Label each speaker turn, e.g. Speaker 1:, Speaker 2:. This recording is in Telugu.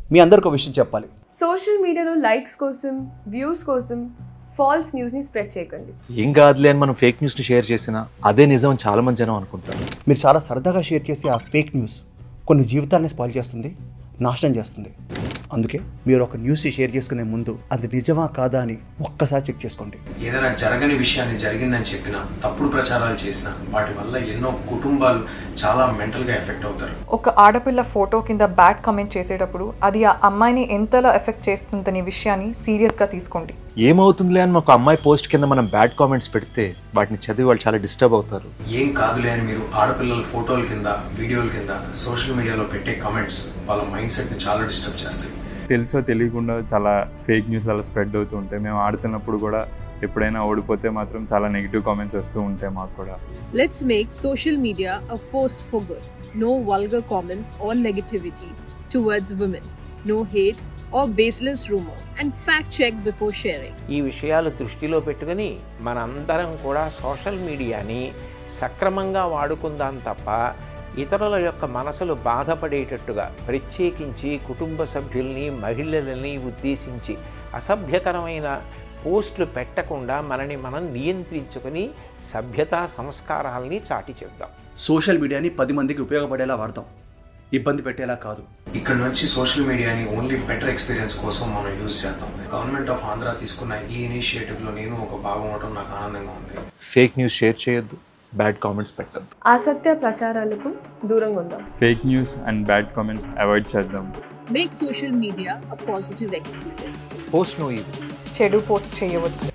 Speaker 1: మీ అందరికీ ఒక విషయం చెప్పాలి.
Speaker 2: సోషల్ మీడియాలో లైక్స్ కోసం, వ్యూస్ కోసం ఫాల్స్ న్యూస్ని స్ప్రెడ్ చేయకండి.
Speaker 3: ఏం కాదులే అని మనం ఫేక్ న్యూస్ని షేర్ చేసినా అదే నిజం అని చాలా మంది జనం అనుకుంటారు.
Speaker 1: మీరు చాలా సరదాగా షేర్ చేసే ఆ ఫేక్ న్యూస్ కొన్ని జీవితాలని స్పాయిల్ చేస్తుంది, నాశనం చేస్తుంది. అందుకే మీరు ఒక న్యూస్ షేర్ చేసుకునే ముందు అది నిజమా కాదా అని ఒక్కసారి చెక్ చేసుకోండి.
Speaker 4: ఏదైనా జరగని విషయాన్ని జరిగిందని చెప్పినా, తప్పుడు ప్రచారాలు చేసినా వాటి వల్ల ఎన్నో కుటుంబాలు చాలా మెంటల్గా ఎఫెక్ట్ అవుతారు.
Speaker 5: ఒక ఆడపిల్ల ఫోటో కింద బ్యాడ్ కామెంట్ చేసేటప్పుడు అది ఆ అమ్మాయిని ఎంతలా ఎఫెక్ట్ చేస్తుందనే విషయాన్ని సీరియస్గా తీసుకోండి.
Speaker 3: ఏమవుతుందిలే అని ఒక అమ్మాయి పోస్ట్ కింద మనం బ్యాడ్ కామెంట్స్ పెడితే వాటిని చదివి వాళ్ళు చాలా డిస్టర్బ్ అవుతారు.
Speaker 4: ఏం కాదులే అని మీరు ఆడపిల్లల ఫోటోల కింద, వీడియోల కింద సోషల్ మీడియాలో పెట్టే కామెంట్స్ వాళ్ళ మైండ్ సెట్ని చాలా డిస్టర్బ్ చేస్తాయి.
Speaker 6: తెలుసో తెలియకుండా చాలా ఫేక్ న్యూస్ అలా స్ప్రెడ్ అవుతూ ఉంటాయి. మేము ఆడుతున్నప్పుడు కూడా ఎప్పుడైనా ఓడిపోతే మాత్రం చాలా నెగిటివ్ కామెంట్స్ వస్తూ ఉంటాయి మాకు కూడా.
Speaker 7: Let's make social media a force for good. No vulgar comments or negativity towards women. No hate or baseless rumor. And fact check before sharing.
Speaker 8: ఈ విషయాలు దృష్టిలో పెట్టుకుని మనందరం కూడా సోషల్ మీడియాని సక్రమంగా వాడుకుందాం తప్ప ఇతరుల యొక్క మనసులు బాధపడేటట్టుగా, ప్రత్యేకించి కుటుంబ సభ్యుల్ని, మహిళలని ఉద్దేశించి అసభ్యకరమైన పోస్టులు పెట్టకుండా మనని మనం నియంత్రించుకొని సభ్యతా సంస్కారాల్ని చాటి చెప్దాం.
Speaker 1: సోషల్ మీడియాని 10 మందికి ఉపయోగపడేలా వాడతాం, ఇబ్బంది పెట్టేలా కాదు.
Speaker 4: ఇక్కడ నుంచి సోషల్ మీడియాని ఓన్లీ బెటర్ ఎక్స్పీరియన్స్ కోసం మనం యూజ్ చేద్దాం. గవర్నమెంట్ ఆఫ్ ఆంధ్ర తీసుకున్న ఈ ఇనిషియేటివ్లో నేను ఒక భాగం అవడం నాకు ఆనందంగా ఉంది.
Speaker 3: ఫేక్ న్యూస్ షేర్ చేయొద్దు, బ్యాడ్ కామెంట్స్ పెట్టద్దు.
Speaker 2: అసత్య ప్రచారాలకు దూరంగా ఉందాం.
Speaker 6: Fake news and bad comments avoid చేద్దాం.
Speaker 7: Make social media a positive experience.
Speaker 3: Post నో ఇది
Speaker 5: చెడు పోస్ట్ చేయవద్దు.